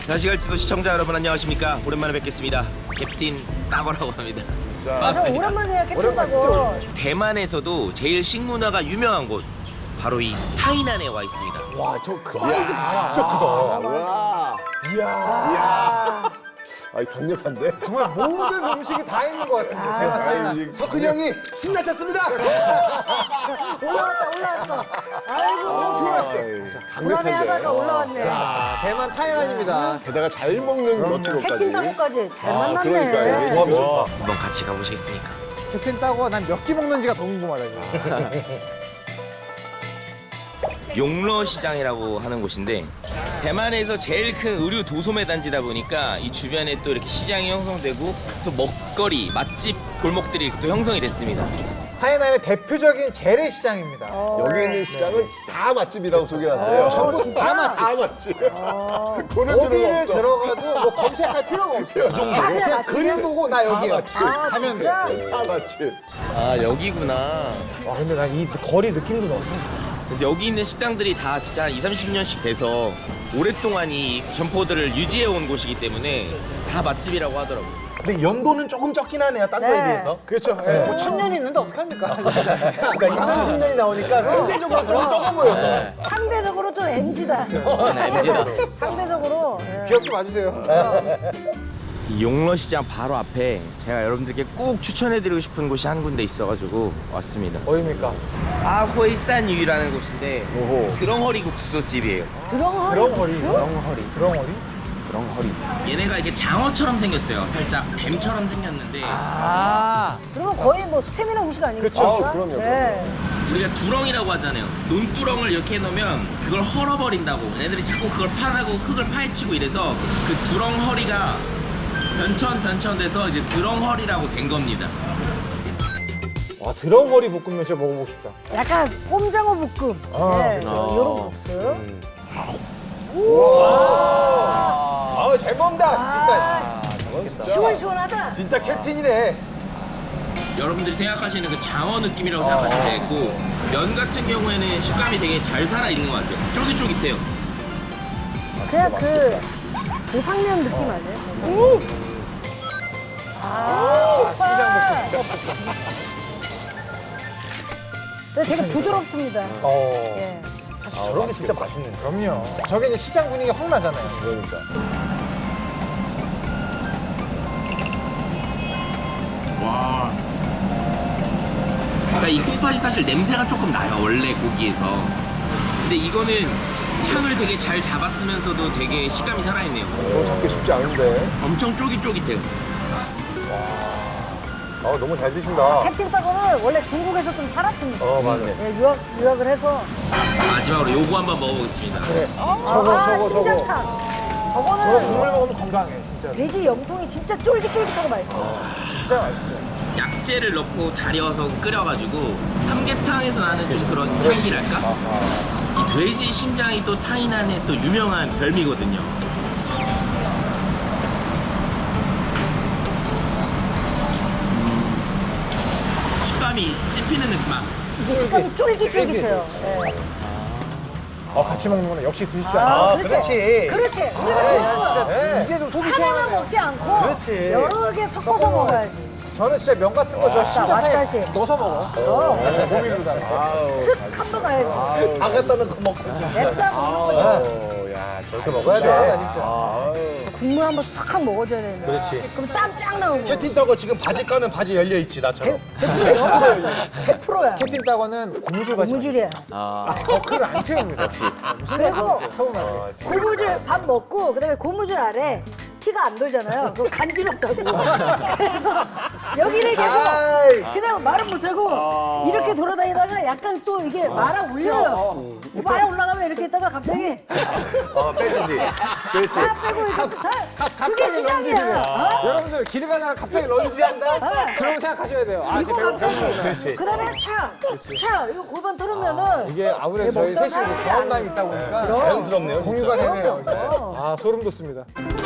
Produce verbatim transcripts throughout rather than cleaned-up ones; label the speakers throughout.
Speaker 1: 다시 갈지도 시청자 여러분 안녕하십니까. 오랜만에 뵙겠습니다. 캡틴 따거라고 합니다.
Speaker 2: 자,
Speaker 3: 맞아, 오랜만이야 캡틴 따거.
Speaker 1: 대만에서도 제일 식문화가 유명한 곳 바로 이 타이난에 와 있습니다.
Speaker 2: 와, 저 그 사이즈 봐라. 진짜 크다.
Speaker 4: 와,
Speaker 2: 이야.
Speaker 4: 이야. 아, 강력한데?
Speaker 2: 정말 모든 음식이 다 있는 것 같은데. 대만 타이난.
Speaker 4: 석훈이 형이 신나셨습니다.
Speaker 3: 올라왔다 올라왔어. 아이고 너무
Speaker 4: 강력한데.
Speaker 3: 불안해하다가 올라왔네.
Speaker 2: 자, 대만 타이난입니다.
Speaker 4: 게다가 잘 먹는 것들까지.
Speaker 3: 캡틴 따거까지 잘
Speaker 4: 아,
Speaker 3: 만났네.
Speaker 4: 그러니까요. 조합이 좋다.
Speaker 1: 한번 같이 가보시겠습니까?
Speaker 2: 캡틴 따고 난 몇 끼 먹는지가 더 궁금하다. 이거.
Speaker 1: 용러 시장이라고 하는 곳인데 대만에서 제일 큰 의류 도소매 단지다 보니까 이 주변에 또 이렇게 시장이 형성되고 또 먹거리, 맛집 골목들이 또 형성이 됐습니다.
Speaker 2: 타이난의 대표적인 재래시장입니다.
Speaker 4: 여기 있는 시장은 다 맛집이라고 소개하는데요.
Speaker 2: 전부 다 맛집.
Speaker 4: 다 맛집. 고를 필요가
Speaker 2: 어디를
Speaker 4: 없어.
Speaker 2: 들어가도 뭐 검색할 필요가 없어요. 그 정도. 그냥
Speaker 3: 맛집이야.
Speaker 2: 그림 보고 나 여기야.
Speaker 4: 맛집.
Speaker 3: 아
Speaker 2: 가면 돼.
Speaker 3: 진짜?
Speaker 4: 다 맛집.
Speaker 1: 아 여기구나.
Speaker 2: 와, 근데 난 이 거리 느낌도 너무 좋다.
Speaker 1: 그래서 여기 있는 식당들이 다 진짜 한 이삼십 년씩 돼서 오랫동안 이 점포들을 유지해 온 곳이기 때문에 다 맛집이라고 하더라고요.
Speaker 5: 근데 연도는 조금 적긴 하네요, 딴 거에
Speaker 3: 네.
Speaker 5: 비해서.
Speaker 2: 그렇죠. 예. 뭐 천년이 있는데 어떡합니까?
Speaker 5: 그러니까 이삼십 년이 나오니까 상대적으로 좀 적어 보여서.
Speaker 3: 상대적으로 좀 엠지다. 상대적으로. 예.
Speaker 2: 귀엽게 봐주세요.
Speaker 1: 이 용러시장 바로 앞에 제가 여러분들께 꼭 추천해드리고 싶은 곳이 한 군데 있어가지고 왔습니다.
Speaker 2: 어디입니까?
Speaker 1: 아호이산유라는 곳인데
Speaker 4: 오호.
Speaker 1: 드렁허리 국수집이에요.
Speaker 3: 드렁허리
Speaker 2: 드렁허리.
Speaker 3: 국수?
Speaker 2: 드렁허리. 드렁허리?
Speaker 1: 드렁허리. 얘네가 이렇게 장어처럼 생겼어요. 살짝 뱀처럼 생겼는데
Speaker 2: 아.
Speaker 3: 그러면 거의 뭐 스테미나 음식 아니겠습니까?
Speaker 2: 그쵸.
Speaker 4: 아, 그럼요,
Speaker 3: 네.
Speaker 1: 우리가 두렁이라고 하잖아요. 논두렁을 이렇게 해놓으면 그걸 헐어버린다고. 얘네들이 자꾸 그걸 파라고 흙을 파헤치고 이래서 그 두렁허리가 변천 변천돼서 이제 드렁허리라고 된 겁니다.
Speaker 2: 와, 드렁허리 볶음면 진짜 먹어보고 싶다.
Speaker 3: 약간 꼼장어 볶음.
Speaker 2: 아,
Speaker 3: 네,
Speaker 1: 그렇죠.
Speaker 3: 요런 국수.
Speaker 5: 아, 잘 먹는다, 진짜.
Speaker 3: 시원시원하다.
Speaker 5: 진짜 캡틴이네.
Speaker 1: 여러분들이 생각하시는 그 장어 느낌이라고 생각하시면 되겠고 면 같은 경우에는 식감이 되게 잘 살아있는 것 같아요. 쫄깃쫄깃해요.
Speaker 3: 그냥 그 고상면 느낌 아니에요? 아, 신장 볶음. 되게 부드럽습니다.
Speaker 2: 어.
Speaker 3: 예.
Speaker 5: 사실 저런 게 진짜 맛있는데.
Speaker 2: 그럼요. 저게 이제 시장 분위기 확 나잖아요.
Speaker 4: 그러니까.
Speaker 1: 와. 그러니까 이 콩팥이 사실 냄새가 조금 나요. 원래 고기에서. 근데 이거는 향을 되게 잘 잡았으면서도 되게 식감이 살아있네요.
Speaker 4: 저거 잡기 쉽지 않은데.
Speaker 1: 엄청 쫄깃쫄깃해요.
Speaker 4: 아, 너무 잘 드신다.
Speaker 3: 캡틴 따거는 원래 중국에서 좀 살았습니다.
Speaker 4: 어, 맞아.
Speaker 3: 예, 유학, 유학을 해서.
Speaker 1: 마지막으로 요거 한번 먹어보겠습니다.
Speaker 2: 그래.
Speaker 3: 아,
Speaker 2: 저거, 저거, 저거.
Speaker 3: 심장탕.
Speaker 2: 저거
Speaker 3: 저거는
Speaker 2: 국물 먹으면 건강해, 진짜.
Speaker 3: 돼지 염통이 진짜 쫄깃쫄깃하고 맛있어요.
Speaker 2: 진짜 맛있죠.
Speaker 1: 약재를 넣고 달여서 끓여가지고 삼계탕에서 나는 좀 그런 향기랄까? 이 돼지 심장이 또 타이난의 또 유명한 별미거든요. 음, 식감이 씹히는 느낌.
Speaker 3: 이게 식감이 쫄깃쫄깃해요. 예.
Speaker 2: 어, 같이 먹는 거는 역시 드실 줄
Speaker 3: 아,
Speaker 2: 알아.
Speaker 3: 그렇지. 그렇지. 우리가 지금
Speaker 2: 진짜
Speaker 5: 네.
Speaker 2: 이제 좀 속이
Speaker 3: 하나만
Speaker 2: 시원하네.
Speaker 3: 먹지 않고
Speaker 5: 그렇지.
Speaker 3: 여러 개 섞어서
Speaker 2: 섞어
Speaker 3: 먹어야지.
Speaker 2: 저는 진짜 면 같은 거 저 심장탕에
Speaker 3: 왔다시.
Speaker 2: 넣어서 먹어.
Speaker 3: 어.
Speaker 2: 모밀로다가.
Speaker 4: 아우.
Speaker 3: 슥 한번 가야지.
Speaker 5: 안 갖다는 거 먹고 있어.
Speaker 3: 냅다 먹는 거지.
Speaker 4: 아우, 야, 저렇게 먹어야
Speaker 2: 시원하다,
Speaker 4: 돼.
Speaker 2: 진짜.
Speaker 4: 아우.
Speaker 3: 국물 한번 싹 한번 먹어줘야 되는데.
Speaker 5: 그렇지.
Speaker 3: 그럼 땀 쫙 나오고.
Speaker 5: 캡틴 따고 지금 바지 까는 바지 열려 있지 나처럼.
Speaker 3: 백 퍼센트 열어놨어. 백 퍼센트야.
Speaker 2: 캡틴 따거는 고무줄 바지.
Speaker 3: 고무줄이야.
Speaker 2: 버클을 안 채웁니다. 역시.
Speaker 3: 그리고
Speaker 2: 서운하네.
Speaker 3: 고무줄 밥 먹고 그다음에 고무줄 아래 피가 안 돌잖아요. 그거 간지럽다고. 그래서 여기를 계속
Speaker 5: 아이.
Speaker 3: 그냥 말은 못하고 이렇게 돌아다니다가 약간 또 이게 말아 올려요. 말아 올라가면 이렇게 있다가 갑자기
Speaker 4: 어, 빼주지. 그렇지.
Speaker 3: 다 빼고 이제 다 그게 시장이야. 어?
Speaker 2: 여러분들 길 가다가 갑자기 런지한다? 그런 생각하셔야 돼요. 아,
Speaker 3: 이거
Speaker 2: 제가
Speaker 3: 갑자기 그다음에 차, 차 이거 골반 털으면은
Speaker 2: 이게 아무래도 저희
Speaker 3: 먹던
Speaker 2: 셋이 이제
Speaker 3: 사람들이
Speaker 2: 경험담이 있다 보니까
Speaker 5: 자연스럽네요.
Speaker 2: 공유가
Speaker 5: 진짜.
Speaker 2: 되네요. 진짜. 아, 소름 돋습니다.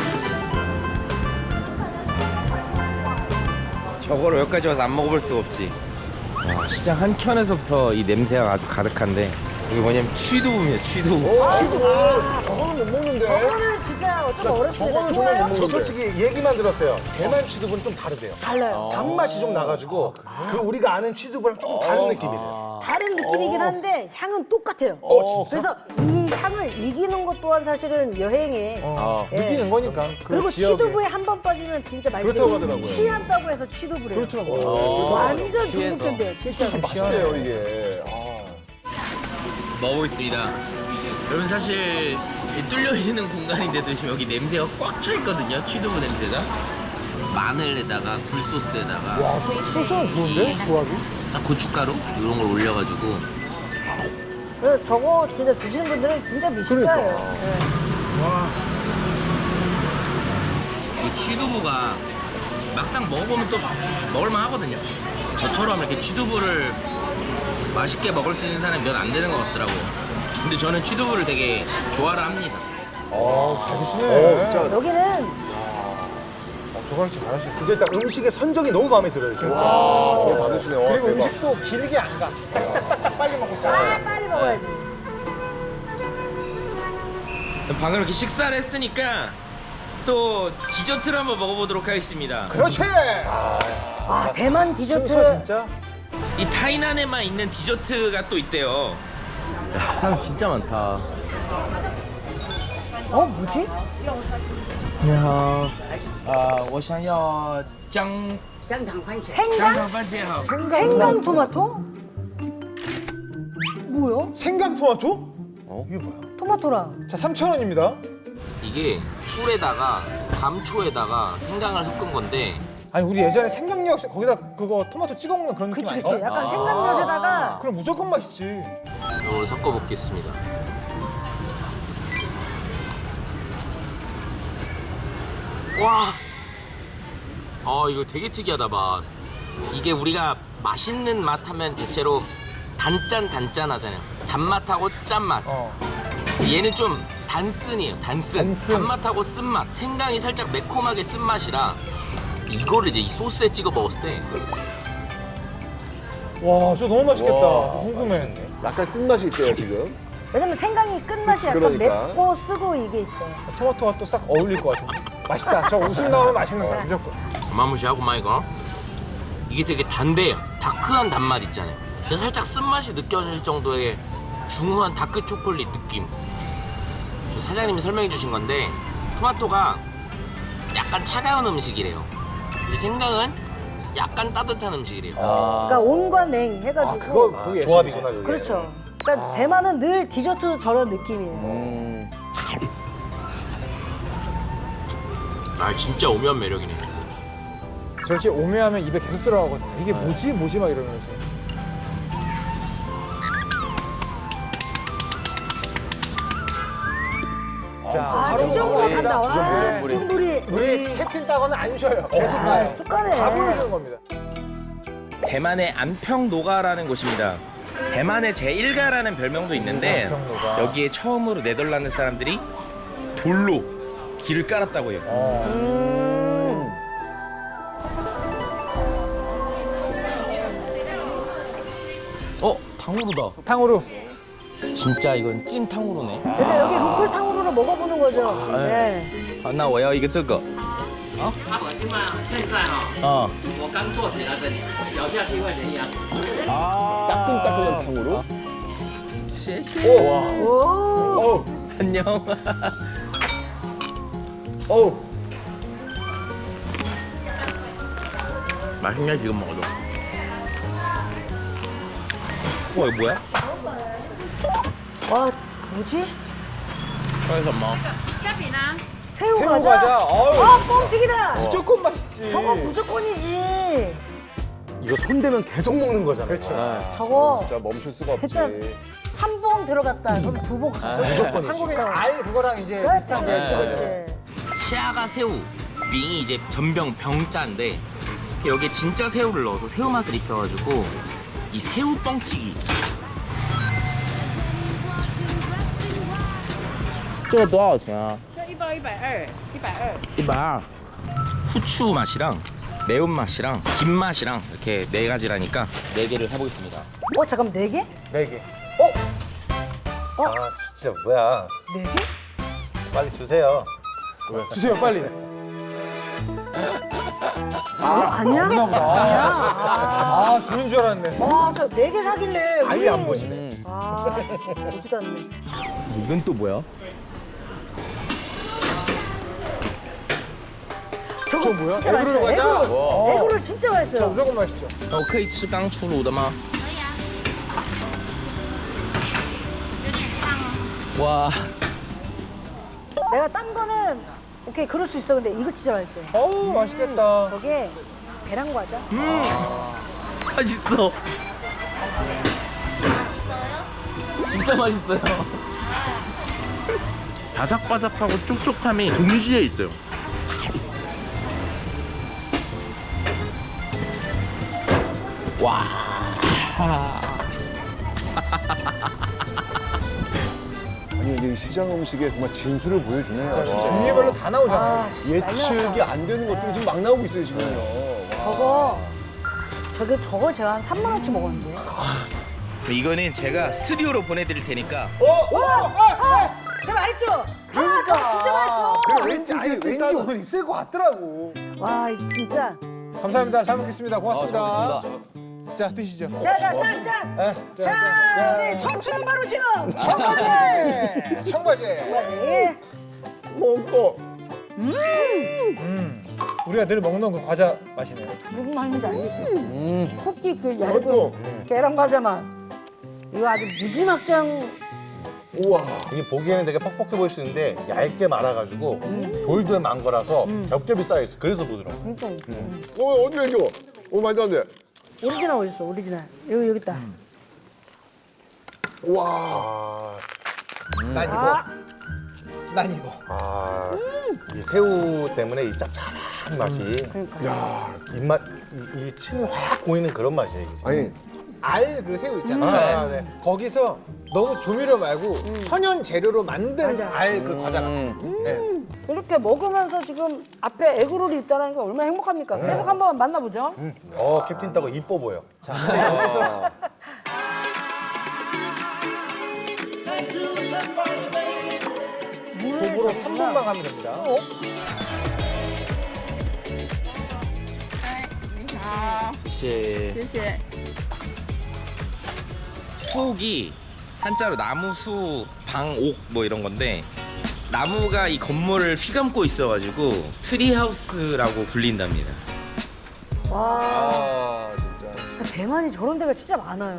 Speaker 1: 저거를 여기까지 와서 안 먹어볼 수가 없지. 와, 시장 한 켠에서부터 이 냄새가 아주 가득한데 이게 뭐냐면 취두부입니다. 취두부.
Speaker 5: 어, 취두부. 저거는 못 먹는데.
Speaker 3: 저거는 진짜 어쩌면 어렵습니다.
Speaker 5: 저거는 정말 못
Speaker 3: 좋아요?
Speaker 5: 먹는데. 저 솔직히 얘기만 들었어요. 대만 취두부는 좀 다르대요.
Speaker 3: 달라요.
Speaker 5: 단맛이 좀 나가지고 그 우리가 아는 취두부랑 조금 다른 느낌이래요.
Speaker 3: 다른 느낌이긴 한데 향은 똑같아요.
Speaker 5: 어, 진짜?
Speaker 3: 그래서 이 향을 이기는 것 또한 사실은 여행에
Speaker 2: 어,
Speaker 3: 예.
Speaker 2: 느끼는 거니까. 그
Speaker 3: 그리고
Speaker 2: 지역에.
Speaker 3: 취두부에 한 번 빠지면 진짜 말
Speaker 5: 그렇다고
Speaker 3: 그대로
Speaker 5: 하더라고요.
Speaker 3: 취한다고 해서 취두부래요.
Speaker 2: 그렇더라고요.
Speaker 3: 완전 중독된대요, 진짜.
Speaker 4: 맛있대요, 이게. 아.
Speaker 1: 먹어보겠습니다. 여러분 사실 이 뚫려 있는 공간인데도 지금 여기 냄새가 꽉 차 있거든요. 취두부 냄새가. 마늘에다가 굴소스에다가
Speaker 2: 와, 소, 소스는 좋은데? 조합이?
Speaker 1: 살짝 고춧가루 이런 걸 올려가지고
Speaker 3: 그래서 저거 진짜 드시는 분들은 진짜 미식가예요. 예.
Speaker 1: 이 취두부가 막상 먹어보면 또 먹을만 하거든요. 저처럼 이렇게 취두부를 맛있게 먹을 수 있는 사람이 몇 안 되는 것 같더라고요. 근데 저는 취두부를 되게 좋아를 합니다.
Speaker 2: 어, 잘 드시네.
Speaker 5: 어, 진짜.
Speaker 3: 여기는
Speaker 2: 어, 저거랑 진짜 잘하시네.
Speaker 5: 이제 딱 음식의 선정이 너무 마음에 들어요, 진짜.
Speaker 4: 아, 저걸 받으시네. 와,
Speaker 2: 그리고
Speaker 4: 대박.
Speaker 2: 음식도 길게 안 가. 딱딱딱딱 빨리 먹고
Speaker 3: 아,
Speaker 2: 싸요.
Speaker 3: 빨리 먹어야지.
Speaker 1: 방금 이렇게 식사를 했으니까 또 디저트를 한번 먹어보도록 하겠습니다.
Speaker 2: 그렇지!
Speaker 3: 아, 대만 디저트.
Speaker 2: 순서 진짜?
Speaker 1: 이 타이난에만 있는 디저트가 또 있대요. 야, 사람 진짜 많다.
Speaker 3: 어, 뭐지?
Speaker 1: 你好，呃，我想要姜
Speaker 3: 생강?
Speaker 1: 姜番茄好。
Speaker 3: 생강 토마토? 뭐야?
Speaker 2: 생강 토마토? 이게 뭐야?
Speaker 3: 토마토랑.
Speaker 2: 자, 삼천 원입니다.
Speaker 1: 이게 꿀에다가 감초에다가 생강을 섞은 건데
Speaker 2: 아니, 우리 예전에 생강역 거기다 그거 토마토 찍어 먹는 그런 느낌
Speaker 3: 그치,
Speaker 2: 아니야?
Speaker 3: 그치. 약간 생강젓에다가.
Speaker 2: 그럼 무조건 맛있지.
Speaker 1: 이걸 섞어 먹겠습니다. 와, 아 이거 되게 특이하다 맛. 이게 우리가 맛있는 맛 하면 대체로 단짠 단짠 하잖아요. 단맛하고 짠맛.
Speaker 2: 어.
Speaker 1: 얘는 좀 단쓴이에요. 단쓴.
Speaker 2: 단쓴.
Speaker 1: 단맛하고 쓴맛. 생강이 살짝 매콤하게 쓴맛이라 이거를 이제 이 소스에 찍어 먹었을 때
Speaker 2: 와, 저 너무 맛있겠다.
Speaker 4: 와,
Speaker 2: 궁금해.
Speaker 4: 약간 쓴맛이 있대요, 지금.
Speaker 3: 왜냐면 생강이 끝맛이 약간
Speaker 4: 그러니까.
Speaker 3: 맵고 쓰고 이게 있죠.
Speaker 2: 토마토가 또 싹 어울릴 것 같은데. 맛있다. 저 웃음 나오면 맛있는 거야, 무조건.
Speaker 1: 어마무시하고만 이거. 이게 되게 단데요. 다크한 단맛 있잖아요. 그래서 살짝 쓴맛이 느껴질 정도의 중후한 다크 초콜릿 느낌. 사장님이 설명해 주신 건데 토마토가 약간 차가운 음식이래요. 근데 생강은 약간 따뜻한 음식이래요.
Speaker 3: 그러니까 온과 냉 해가지고.
Speaker 2: 아, 그거, 그게
Speaker 5: 조합이구나, 그게.
Speaker 3: 그렇죠. 그러니까 대만은 늘 디저트 저런 느낌이에요.
Speaker 2: 음.
Speaker 1: 아 진짜 오묘한 매력이네.
Speaker 2: 저렇게 오묘하면 입에 계속 들어가거든요. 이게 뭐지? 뭐지? 막 이러면서. 자,
Speaker 3: 아,
Speaker 2: 바로
Speaker 3: 주전부리
Speaker 2: 먹어봅니다.
Speaker 3: 간다. 와,
Speaker 2: 주전부리.
Speaker 3: 주전부리.
Speaker 2: 우리 캡틴 따거는 안 쉬어요. 계속
Speaker 3: 아,
Speaker 2: 가요.
Speaker 3: 쑥가네.
Speaker 2: 다 보여주는 겁니다.
Speaker 1: 대만의 안평노가라는 곳입니다. 대만의 제일가라는 별명도 있는데
Speaker 2: 안평노가.
Speaker 1: 여기에 처음으로 네덜란드 사람들이 돌로 길을 깔았다고 해요.
Speaker 3: 음.
Speaker 1: 어? 탕후루다.
Speaker 2: 탕후루.
Speaker 1: 진짜 이건 찐 탕후루네.
Speaker 3: 그러니까 여기 로컬 탕후루를 먹어보는 거죠. 네.
Speaker 1: 好，那我要一个这个。
Speaker 6: 他我现在现在哈、
Speaker 1: 啊
Speaker 6: 我刚做起来的，咬下去会怎样？
Speaker 1: 啊
Speaker 4: 따끈따끈한 탕으로.
Speaker 1: 谢谢。
Speaker 3: 오.
Speaker 4: 어우,
Speaker 1: 안녕.
Speaker 4: 어우.
Speaker 1: 맛있네 지금 먹어도. 와 이거 뭐야?
Speaker 3: 와, 뭐지?
Speaker 1: 그래서 뭐?
Speaker 3: 새우,
Speaker 2: 새우
Speaker 3: 과자?
Speaker 2: 과자. 어우.
Speaker 3: 아, 뻥튀기다.
Speaker 2: 무조건 맛있지.
Speaker 3: 저거 무조건이지.
Speaker 5: 이거 손대면 계속 먹는 거잖아요.
Speaker 2: 그렇죠.
Speaker 3: 저거
Speaker 4: 진짜 멈출 수가 없지.
Speaker 3: 일단 한 봉 들어갔다. 그럼 두 봉 가죠.
Speaker 5: 무조건
Speaker 2: 한국에 알 그거랑 이제
Speaker 3: 그렇지,
Speaker 2: 비슷한 게
Speaker 3: 그렇지,
Speaker 2: 있죠.
Speaker 3: 그렇지.
Speaker 1: 시아가 새우, 밍이 이제 전병 병자인데 여기에 진짜 새우를 넣어서 새우 맛을 입혀가지고 이 새우 뻥튀기. 这个多少钱啊？
Speaker 7: 这一包一百二，一百二。
Speaker 1: 一百二. 후추 맛이랑 매운 맛이랑 김 맛이랑 이렇게 네 가지라니까 네 개를 해보겠습니다.
Speaker 3: 어, 잠깐만, 네 개?
Speaker 2: 네 개.
Speaker 5: 아 진짜 뭐야?
Speaker 3: 네 개?
Speaker 5: 빨리 주세요.
Speaker 2: 주세요 빨리.
Speaker 3: 아, 아니야?
Speaker 2: 없나 보다.
Speaker 3: 아니야?
Speaker 2: 아 주는 줄 알았네.
Speaker 3: 와, 저 네 개 사길래.
Speaker 5: 아예
Speaker 3: 우리-
Speaker 5: 안 보시네.
Speaker 3: 아, 보지도 않네.
Speaker 1: 이건 또 뭐야?
Speaker 3: 저거
Speaker 2: 뭐야?
Speaker 3: 진짜
Speaker 5: 에그로로
Speaker 3: 맛있어요.
Speaker 5: 가자.
Speaker 3: 에그로. 에그로 진짜
Speaker 2: 저
Speaker 3: 맛있어요.
Speaker 2: 무조건 맛있죠.
Speaker 1: 我可以吃刚出炉的吗？와,
Speaker 3: 내가 딴 거는 오케이 그럴 수 있어. 근데 이거 진짜 맛있어요.
Speaker 2: 어우 맛있겠다.
Speaker 3: 저게 계란 과자.
Speaker 1: 맛있어. 진짜 맛있어요. 바삭바삭하고 촉촉함이 동시에 있어요. 와.
Speaker 4: 아니 이게 시장 음식에 정말 진수를 보여주네요. 와.
Speaker 2: 종류별로 다 나오잖아요.
Speaker 3: 아, 씨,
Speaker 4: 예측이
Speaker 3: 날려놨다.
Speaker 4: 안 되는 것들이 지금 막 나오고 있어요 지금요. 와.
Speaker 3: 저거 저게 저거 제가 한 삼만 원치 먹었는데.
Speaker 1: 이거는 제가 스튜디오로 보내드릴 테니까.
Speaker 3: 제가 말했죠. 아, 저거 진짜 맛있어.
Speaker 2: 그래, 왠지 아니, 왠지 오늘 있을 것 같더라고.
Speaker 3: 와, 이거 진짜.
Speaker 2: 감사합니다. 잘 먹겠습니다. 고맙습니다. 자 드시죠.
Speaker 3: 자, 자, 짠, 짠.
Speaker 2: 자,
Speaker 3: 자, 우리 청춘은 바로 지금. 청바지.
Speaker 2: 청바지.
Speaker 3: 청바지.
Speaker 4: 먹고
Speaker 2: 우리가 늘 먹는 그 과자 맛이네요.
Speaker 3: 무슨 맛인지 알겠지? 쿠키 그 얇은 계란 과자 맛. 이거 아주 무지막장.
Speaker 4: 우와.
Speaker 5: 이게 보기에는 되게 퍽퍽해 보일 수 있는데 얇게 말아가지고 돌돌 만 거라서 겹겹이 쌓여 있어. 그래서 부드러워.
Speaker 3: 그러니까
Speaker 4: 어 어디 왼쪽? 어 말도 안 돼.
Speaker 3: 오리지널 어디 있어? 오리지널. 여기 여기 있다.
Speaker 4: 와.
Speaker 2: 난 이거. 난 이거.
Speaker 4: 아.
Speaker 5: 이 새우 때문에 이 짭짤한 맛이
Speaker 3: 그러니까.
Speaker 4: 야.
Speaker 5: 입맛 이, 이 침이 확 고이는 그런 맛이에요. 이게.
Speaker 4: 아니
Speaker 2: 알 그 새우 있잖아.
Speaker 5: 아, 네.
Speaker 2: 거기서 너무 조미료 말고 천연 재료로 만든
Speaker 3: 맞아.
Speaker 2: 알 그 과자 같은 느낌. 네.
Speaker 3: 이렇게 먹으면서 지금 앞에 에그롤이 있다는 게 얼마나 행복합니까? 계속 한번 만나보죠.
Speaker 5: 어 캡틴 따고 이뻐 보여.
Speaker 4: 아.
Speaker 2: 도보로 삼 분만 가면 됩니다.
Speaker 7: 你好，
Speaker 1: 씨.
Speaker 7: 谢谢。
Speaker 1: 수옥이 한자로 나무수 방옥 뭐 이런 건데 나무가 이 건물을 휘감고 있어가지고 트리하우스라고 불린답니다.
Speaker 3: 와,
Speaker 4: 아 진짜.
Speaker 3: 대만이 저런 데가 진짜 많아요.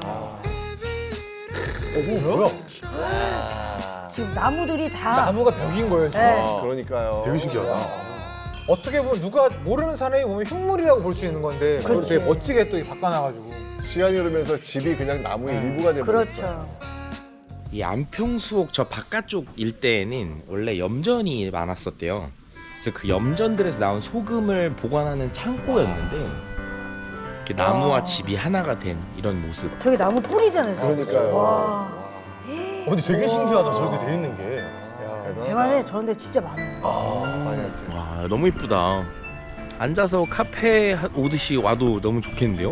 Speaker 5: 뭐야?
Speaker 3: 지금 나무들이 다.
Speaker 2: 나무가 벽인 거예요. 지금.
Speaker 3: 네.
Speaker 4: 그러니까요.
Speaker 5: 되게 신기하다.
Speaker 2: 어떻게 보면 누가 모르는 사람이 보면 흉물이라고 볼 수 있는 건데 그걸
Speaker 3: 그렇지.
Speaker 2: 되게 멋지게 또 바꿔놔가지고.
Speaker 4: 시간이 흐르면서 집이 그냥 나무의 일부가 되버렸어요.
Speaker 3: 그렇죠.
Speaker 1: 이 안평수옥 저 바깥쪽 일대에는 원래 염전이 많았었대요. 그래서 그 염전들에서 나온 소금을 보관하는 창고였는데 이렇게 나무와 집이 하나가 된 이런 모습.
Speaker 3: 저기 나무 뿌리잖아요.
Speaker 4: 그러니까요.
Speaker 3: 와,
Speaker 5: 어, 근데 되게 신기하다. 저렇게 돼 있는 게.
Speaker 4: 대단하다.
Speaker 3: 대만에 저런 데 진짜 많아요.
Speaker 4: 많이 했죠.
Speaker 1: 와 너무 이쁘다. 앉아서 카페 오듯이 와도 너무 좋겠는데요?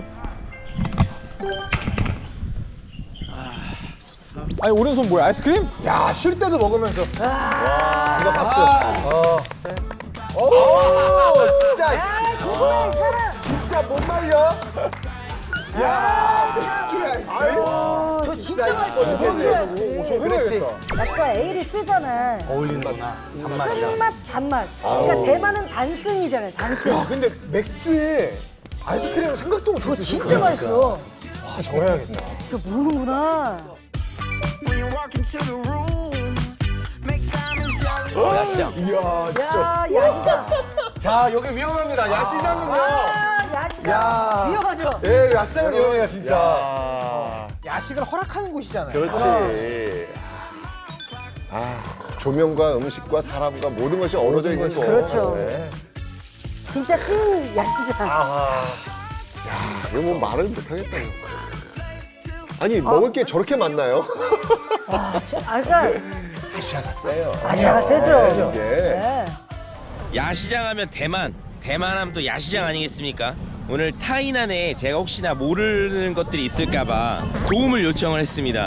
Speaker 2: 아니 오른손 뭐야? 아이스크림? 야 쉴 때도 먹으면서.
Speaker 5: 이거 박수.
Speaker 2: 어.
Speaker 4: 오 진짜
Speaker 3: 야, 그거야, 이 사람.
Speaker 4: 진짜 못 말려. 야
Speaker 3: 저 진짜 맛있어.
Speaker 4: 이거
Speaker 3: 먹어야지.
Speaker 2: 저 해야겠다.
Speaker 3: 약간 에일이 쓰잖아.
Speaker 5: 어울리는구나. 단맛이랑.
Speaker 3: 쓴맛, 단맛. 그러니까 대만은 단승이잖아요. 단승.
Speaker 2: 야 근데 맥주에 아이스크림은 생각도
Speaker 3: 그거
Speaker 2: 못했어.
Speaker 3: 진짜 맛있어.
Speaker 2: 와 저거 해야겠다.
Speaker 3: 이거 모르는구나.
Speaker 8: When you walk into the room, make diamonds yellow.
Speaker 4: 이야 진짜.
Speaker 3: 야, 야시장.
Speaker 5: 자 여기 위험합니다. 야시장은요.
Speaker 3: 아, 야시장.
Speaker 5: 야.
Speaker 3: 위험하죠?
Speaker 5: 예, 야시장은 위험해요 진짜.
Speaker 4: 야.
Speaker 2: 야식을 허락하는 곳이잖아요.
Speaker 4: 그렇지. 아 조명과 음식과 사람과 모든 것이 어우러져 있는 거.
Speaker 3: 그렇죠.
Speaker 4: 네.
Speaker 3: 진짜 찐 야시장.
Speaker 4: 야 이거 뭐 말을 못하겠다. 이거. 아니 먹을 게 저렇게 많나요?
Speaker 3: 아, 저- 아, 그러니까
Speaker 4: 아시아가 세요.
Speaker 3: 아시아가 세죠.
Speaker 4: 이게.
Speaker 3: 네.
Speaker 1: 야시장 하면 대만, 대만 하면 또 야시장 아니겠습니까? 오늘 타이난에 제가 혹시나 모르는 것들이 있을까봐 도움을 요청을 했습니다.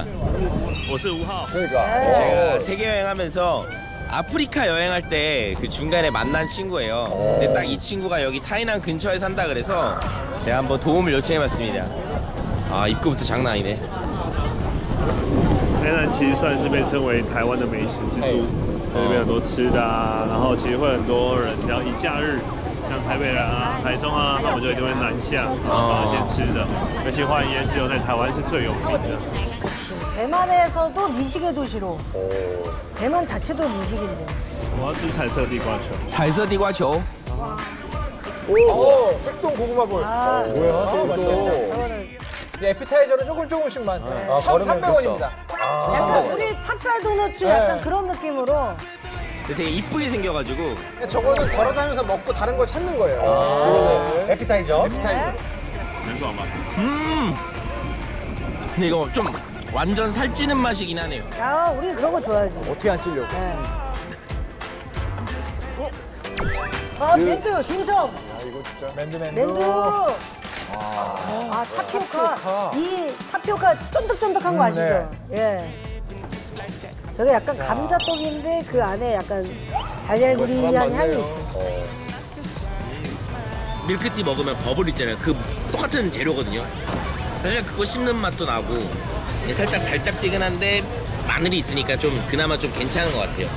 Speaker 4: 그러니까.
Speaker 1: 제가
Speaker 4: 어.
Speaker 1: 세계 여행하면서 아프리카 여행할 때 그 중간에 만난 친구예요. 근데 딱 이 친구가 여기 타이난 근처에 산다 그래서 제가 한번 도움을 요청해봤습니다. 아 입구부터 장난 아니네.
Speaker 9: 台南其实算是被称为台湾的美食之都，这边很多吃的啊，然后其实会很多人只要一假日，像台北人啊、台中啊，他们就一定会南下，然后找一些吃的。尤其花莲夜市又在台湾是最有名的。
Speaker 3: 대만에서도 미식의 도시로. 대만 자체도 미식인데.
Speaker 9: 我要吃彩色地瓜球。
Speaker 1: 彩色地瓜球
Speaker 2: 오, 색동 고구마 볼.
Speaker 3: 아,
Speaker 4: 뭐야,
Speaker 2: 어,
Speaker 4: 저거
Speaker 2: 맛있겠다.
Speaker 4: 또.
Speaker 3: 저거는
Speaker 2: 이제 에피타이저는 조금 조금씩만.
Speaker 3: 네.
Speaker 2: 천삼백 원입니다.
Speaker 3: 약간 우리 찹쌀 도너츠 약간 그런 느낌으로.
Speaker 1: 되게 이쁘게 생겨가지고
Speaker 2: 저거는 걸어다니면서 먹고 다른 걸 찾는 거예요.
Speaker 5: 그러네. 에피타이저.
Speaker 2: 에피타이저.
Speaker 9: 很爽吧？
Speaker 1: 음 근데 이거 좀 완전 살찌는 맛이긴 하네요.
Speaker 3: 야, 우리 그런 거 좋아하지.
Speaker 2: 어떻게 안 찔려고.
Speaker 3: 네. 아, 맨두, 딤섬.
Speaker 4: 아, 이거 진짜.
Speaker 2: 맨두 맨두.
Speaker 3: 맨두. 아, 타피오카.
Speaker 2: 타피오카.
Speaker 3: 이 타피오카 쫀득쫀득한 거
Speaker 2: 음,
Speaker 3: 아시죠? 예. 저게 약간 감자떡인데 그 안에 약간 달걀구리한 향이 있어요.
Speaker 1: 밀크티 먹으면 버블 있잖아요. 그 똑같은 재료거든요. 사실 그거 씹는 맛도 나고 살짝 달짝지근한데 마늘이 있으니까 좀 그나마 좀 괜찮은 것 같아요.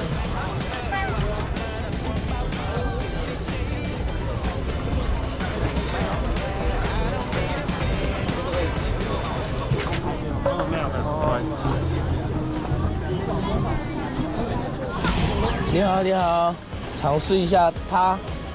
Speaker 1: 你好，你好，尝试一下它。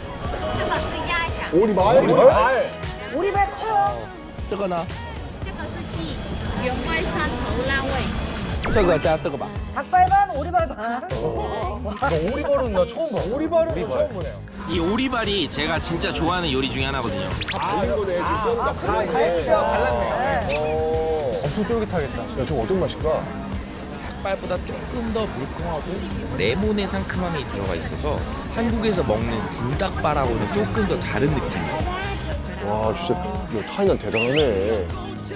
Speaker 4: 오리발?
Speaker 2: 발.
Speaker 3: 오리발 커요.
Speaker 1: 这个呢？
Speaker 7: 这个是鸡原味山头辣味。
Speaker 1: 这个加这个吧。
Speaker 3: 닭발 반, 오리발 반.
Speaker 5: 오리발은 나 처음 봐.
Speaker 2: 오리발은 처음 보네요.
Speaker 1: 이 오리발이 제가 진짜 좋아하는 요리 중에 하나거든요.
Speaker 4: 달린 거네. 지금 뼈가
Speaker 2: 아,
Speaker 4: 달렸네.
Speaker 2: 갈비뼈 발랐네요.
Speaker 4: 어.
Speaker 2: 엄청 쫄깃하겠다.
Speaker 4: 야, 저거 어떤 맛일까?
Speaker 1: 닭발보다 조금 더 물컹하고 레몬의 상큼함이 들어가 있어서 한국에서 먹는 불닭발하고는 조금 더 다른 느낌이에요.
Speaker 4: 와, 진짜 야, 타이난 대단하네.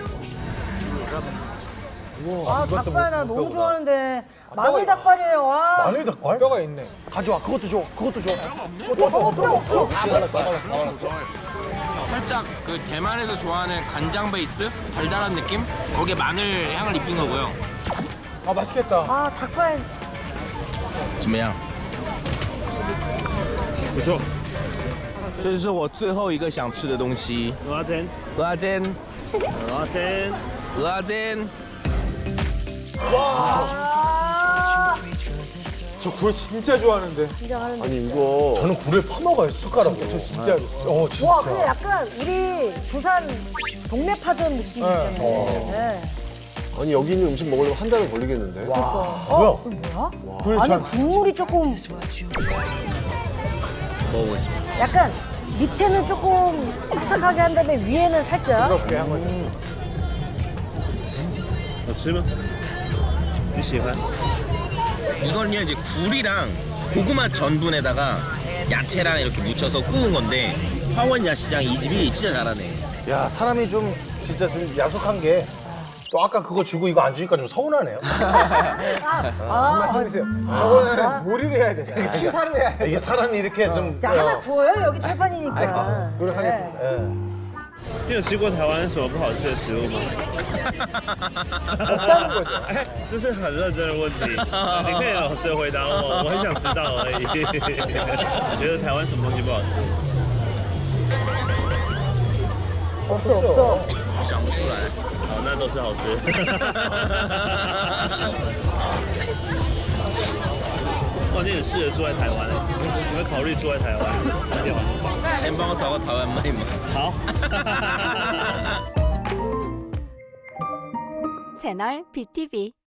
Speaker 3: 아, 닭발 나 너무 좋아하는데. 마늘 닭발이에요, 와.
Speaker 2: 마늘 닭발? 뼈가 있네.
Speaker 5: 가져와. 그것도 줘. 그것도 줘.
Speaker 3: 어, 뼈 없어.
Speaker 4: 다 발랐다, 다 발랐어.
Speaker 1: 살짝 그 대만에서 좋아하는 간장 베이스 달달한 느낌? 거기에 마늘 향을 입힌 거고요.
Speaker 2: 아, 맛있겠다.
Speaker 3: 아, 닭발.
Speaker 1: 怎么样？
Speaker 9: 不错，
Speaker 1: 这就是我最后一个想吃的东西。
Speaker 9: 蚵仔煎，
Speaker 1: 鹅阿煎，
Speaker 9: 蚵仔煎，
Speaker 1: 鹅阿煎。
Speaker 3: 아,
Speaker 2: 저 굴 진짜 좋아하는데.
Speaker 3: 진짜 하는데.
Speaker 4: 아니, 이거.
Speaker 5: 저는 굴을 퍼먹어요, 숟가락으로.
Speaker 2: 저 진짜로.
Speaker 5: 어, 진짜.
Speaker 3: 와, 근데 약간 우리 부산 동네 파전 느낌 있잖아요. 네.
Speaker 4: 아니, 여기 있는 음식 먹으려면 한 달은 걸리겠는데.
Speaker 3: 어? 이거 뭐야?
Speaker 2: 굴
Speaker 3: 아니,
Speaker 2: 전.
Speaker 3: 국물이 조금
Speaker 1: 먹어보겠습니다.
Speaker 3: 약간 밑에는 조금 바삭하게 한 다음에 위에는 살짝.
Speaker 2: 그렇게 한 거죠.
Speaker 9: 好吃吗？你喜欢？
Speaker 1: 이거는요 이제 굴이랑 고구마 전분에다가 야채랑 이렇게 묻혀서 구운 건데 화원 야시장 이 집이 진짜 잘하네.
Speaker 5: 야, 사람이 좀 진짜 좀 야속한 게 또 아까 그거 주고 이거 안 주니까 좀 서운하네요.
Speaker 2: 무슨 말씀이세요? 저거는 요리를 해야 되잖아요. 치사를 해야 돼.
Speaker 5: 이게 사람이 이렇게 좀
Speaker 3: 자, 하나 구워요. 여기 철판이니까.
Speaker 2: 노력하겠습니다.
Speaker 5: 예.
Speaker 9: 你有吃过台湾什么不好吃的食物吗？
Speaker 2: 없다는 거죠.
Speaker 9: 哎，这是很认真的问题，你可以老实地回答我，我很想知道而已。你觉得台湾什么东西不好吃？
Speaker 3: 없어, 없어.
Speaker 1: 想不出来。
Speaker 9: 好，那都是好吃。哇，你很适合住在台湾欸，你会考虑住在台湾？而且很棒。
Speaker 1: 先帮我找个台湾妹嘛。
Speaker 9: 好。
Speaker 10: 채널 비티비